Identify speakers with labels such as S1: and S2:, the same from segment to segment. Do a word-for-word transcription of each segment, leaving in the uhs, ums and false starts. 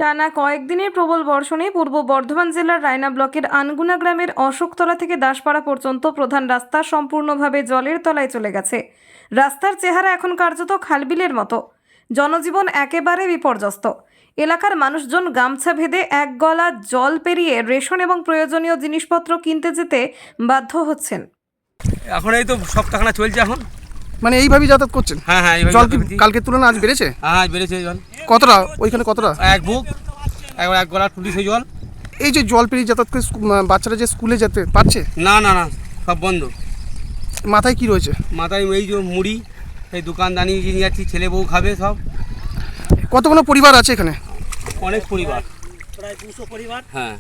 S1: টানা কয়েকদিনের প্রবল বর্ষণে পূর্ব বর্ধমান জেলার রায়না ব্লকের আনগুনা গ্রামের অশোকতলা থেকে দাসপাড়া পর্যন্ত প্রধান রাস্তা সম্পূর্ণভাবে জলের তলায় চলে গেছে। রাস্তার চেহারা এখন কার্যত খালবিলের মতো। জনজীবন একেবারে বিপর্যস্ত। এলাকার মানুষজন গামছা ভেদে এক গলা জল পেরিয়ে রেশন এবং প্রয়োজনীয় জিনিসপত্র কিনতে যেতে বাধ্য হচ্ছেন।
S2: এখন এই তো সপ্তাহখানা চলছে এখন।
S3: মানে এইভাবেই যাতায়াত করছেন?
S2: হ্যাঁ হ্যাঁ এইভাবে
S3: জল কি
S2: যাতায়াত করছি।
S3: কালকের তুলনায় আজ বেড়েছে?
S2: হ্যাঁ আজ বেড়েছে জল।
S3: কতটা? ওইখানে কতটা?
S2: এক বুক একবার এক গলা টুটি সেই জল।
S3: এই যে জল পেরিয়ে যাতায়াত করে স্কু- আহ, বাচ্চারা যে স্কুলে যেতে পারছে?
S2: না না না সব বন্ধ।
S3: মাথায় কি রয়েছে?
S2: মাথায় এই যে মুড়ি, এই দোকানদানি নিয়ে যাচ্ছি, ছেলে বউ খাবে সব।
S3: কতগুলো পরিবার আছে এখানে?
S2: অনেক পরিবার, প্রায় দুশো পরিবার। হ্যাঁ,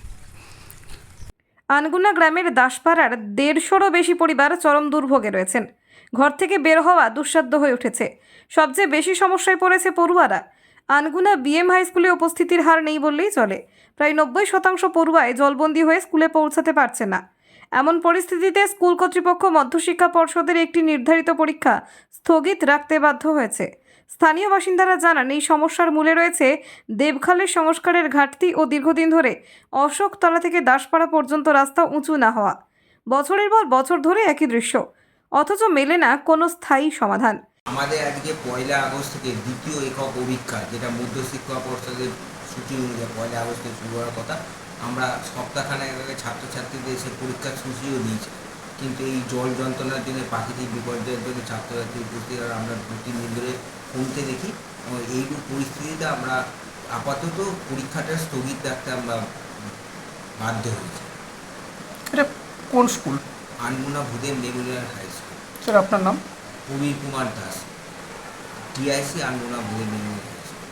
S1: আনগুনা গ্রামের দাসপাড়ার দেড়শোরও বেশি পরিবার চরম দুর্ভোগে রয়েছেন। ঘর থেকে বের হওয়া দুঃসাধ্য হয়ে উঠেছে। সবচেয়ে বেশি সমস্যায় পড়েছে পড়ুয়ারা। আনগুনা বিএম হাই স্কুলে উপস্থিতির হার নেই বললেই চলে। প্রায় নব্বই শতাংশ পড়ুয়ায় জলবন্দী হয়ে স্কুলে পৌঁছাতে পারছে না। এমন পরিস্থিতিতে স্কুল কর্তৃপক্ষ মধ্যশিক্ষা পর্ষদের একটি নির্ধারিত পরীক্ষা স্থগিত রাখতে বাধ্য হয়েছে। স্থানীয় বাসিন্দারা জানান, এই সমস্যার মূলে রয়েছে দেবখালের সংস্কারের ঘাটতি ও দীর্ঘদিন ধরে অশোকতলা থেকে দাসপাড়া পর্যন্ত রাস্তা উঁচু না হওয়া। বছরের পর বছর ধরে একই দৃশ্য, অথচ মেলে না কোনো স্থায়ী সমাধান।
S4: আমাদের আজকে পয়লা আগস্ট থেকে দ্বিতীয় একক অভিক্ষা, যেটা মধ্যশিক্ষা পর্ষদের সূচি অনুযায়ী পয়লা আগস্টে শুরু হওয়ার কথা, আমরা সপ্তাহখানেক আগে ছাত্রছাত্রীদের এসে পরীক্ষার সূচিও দিয়েছি। কিন্তু এই জল যন্ত্রণার জন্য, প্রাকৃতিক বিপর্যয়ের জন্য ছাত্রছাত্রী উপস্থিত আমরা দু তিন দিন ধরে কমতে দেখি। এইরূপ পরিস্থিতিতে আমরা আপাতত পরীক্ষাটা স্থগিত রাখতে আমরা বাধ্য হয়েছি।
S3: এটা কোন school?
S4: Anguna Bhudeb memorial high school.
S3: Sir আপনার নাম?
S4: Prabir Kumar Das, TIC Anguna Bhudeb memorial high school.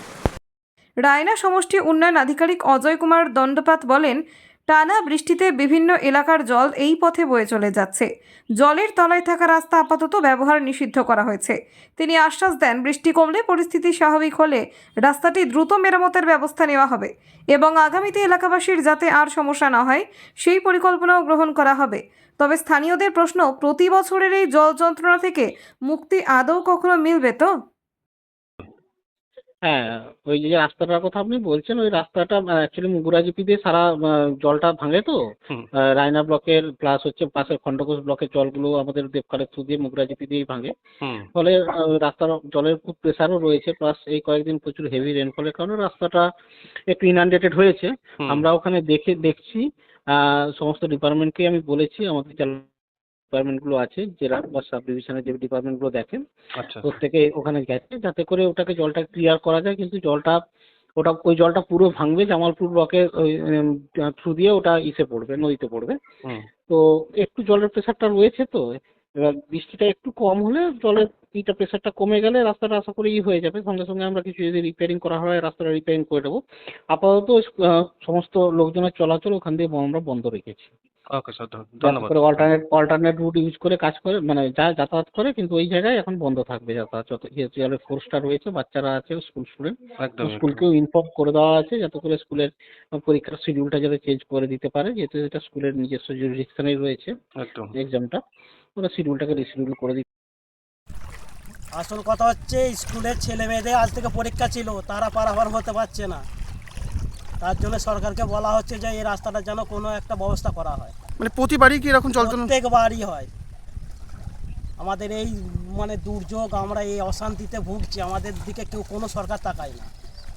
S1: Raina সমষ্টি উন্নয়ন আধিকারিক অজয় কুমার দণ্ডপাত বলেন, টানা বৃষ্টিতে বিভিন্ন এলাকার জল এই পথে বয়ে চলে যাচ্ছে। জলের তলায় থাকা রাস্তা আপাতত ব্যবহার নিষিদ্ধ করা হয়েছে। তিনি আশ্বাস দেন, বৃষ্টি কমলে পরিস্থিতি স্বাভাবিক হলে রাস্তাটি দ্রুত মেরামতের ব্যবস্থা নেওয়া হবে এবং আগামীতে এলাকাবাসীর যাতে আর সমস্যা না হয় সেই পরিকল্পনাও গ্রহণ করা হবে। তবে স্থানীয়দের প্রশ্ন, প্রতি বছরের এই জল যন্ত্রণা থেকে মুক্তি আদৌ কখনো মিলবে তো?
S5: হ্যাঁ, ওই যে রাস্তাটার কথা আপনি বলছেন, ওই রাস্তাটা অ্যাকচুয়ালি মুগুরাজিপি দিয়ে সারা আহ, জলটা ভাঙে তো। আহ, রায়না ব্লকের প্লাস হচ্ছে পাশের খণ্ডঘোষ ব্লকের জলগুলো আমাদের দেবখালের থ্রু দিয়ে মুগুরাজিপি দিয়েই ভাঙে। ফলে আহ, রাস্তার জলের খুব প্রেসারও রয়েছে, প্লাস এই কয়েকদিন প্রচুর হেভি রেনফলের কারণে রাস্তাটা একটু ইনআন্ডেটেড হয়েছে। আমরা ওখানে দেখে দেখছি, আহ, সমস্ত ডিপার্টমেন্টকেই আমি বলেছি, আমাদের ডিপার্টমেন্টগুলো আছে, জেলা বা সাব ডিভিশনের যে ডিপার্টমেন্টগুলো দেখেন, প্রত্যেকে ওখানে গেছে যাতে করে ওটাকে জলটা ক্লিয়ার করা যায়। কিন্তু জলটা ওটা ওই জলটা পুরো ভাঙবে, জামালপুর ব্লকের ওই থ্রু দিয়ে ওটা ইসে পড়বে, নদীতে পড়বে। তো একটু জলের প্রেশারটা রয়েছে, তো এবার বৃষ্টিটা একটু কম হলে জলের ইটা প্রেশারটা কমে গেলে রাস্তাটা আশা করি ই হয়ে যাবে। সঙ্গে সঙ্গে আমরা কিছু যদি রিপেয়ারিং করা হয় রাস্তাটা রিপেয়ারিং করে দেবো। আপাতত আহ, সমস্ত লোকজনের চলাচল ওখান দিয়ে আমরা বন্ধ রেখেছি।
S6: ওকে স্যার, ধন্যবাদ।
S5: করে অল্টারনেট অল্টারনেট রুট ইউজ করে কাজ করে, মানে যা যাতায়াত করে, কিন্তু ওই জায়গায় এখন বন্ধ থাকবে যাতায়াত। যত যেহেতু জলের ফোর্সটা রয়েছে, বাচ্চারা আছে, স্কুল স্টুডেন্ট,
S6: একদম
S5: স্কুলকেও ইনফর্ম করে দেওয়া আছে যাতে করে স্কুলের পরীক্ষার শিডিউলটা যাতে চেঞ্জ করে দিতে পারে, যেহেতু এটা স্কুলের নিজস্ব জুরিডিকশনেই রয়েছে
S6: একদম
S5: এক্সামটা, ওরা শিডিউলটাকে রিশিডিউল করে দিতে।
S7: আসল কথা হচ্ছে, স্কুলের ছেলে মেয়েদের আজ থেকে পরীক্ষা ছিল, তারা পারাপার হতে পারছে না। তার জন্য সরকারকে বলা হচ্ছে যে এই রাস্তাটা যেন কোনো একটা ব্যবস্থা করা হয়।
S3: মানে প্রতিবারই কি এরকম জল যন্ত্রণা?
S7: প্রত্যেকবারই হয়। আমাদের এই মানে দুর্যোগ, আমরা এই অশান্তিতে ভুগছি, আমাদের দিকে কেউ কোনো সরকার তাকায় না।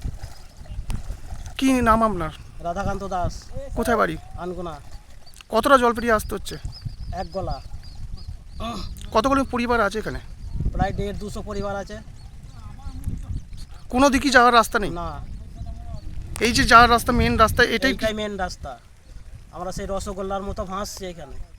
S3: কি নাম আপনার?
S7: রাধাকান্ত দাস।
S3: কোথায় বাড়ি?
S7: আনগুনা।
S3: কতটা জল পেরিয়ে আসতে হচ্ছে?
S7: এক গলা।
S3: কতগুলো পরিবার আছে এখানে?
S7: প্রায় দেড় দুশো পরিবার আছে।
S3: কোনো দিকই যাওয়ার রাস্তা নেই?
S7: না,
S3: এই যে যাওয়ার রাস্তা, মেন রাস্তা, এটাই
S7: এইটাই মেন রাস্তা। আমরা সেই রসগোল্লার মতো ভাসছি এখানে।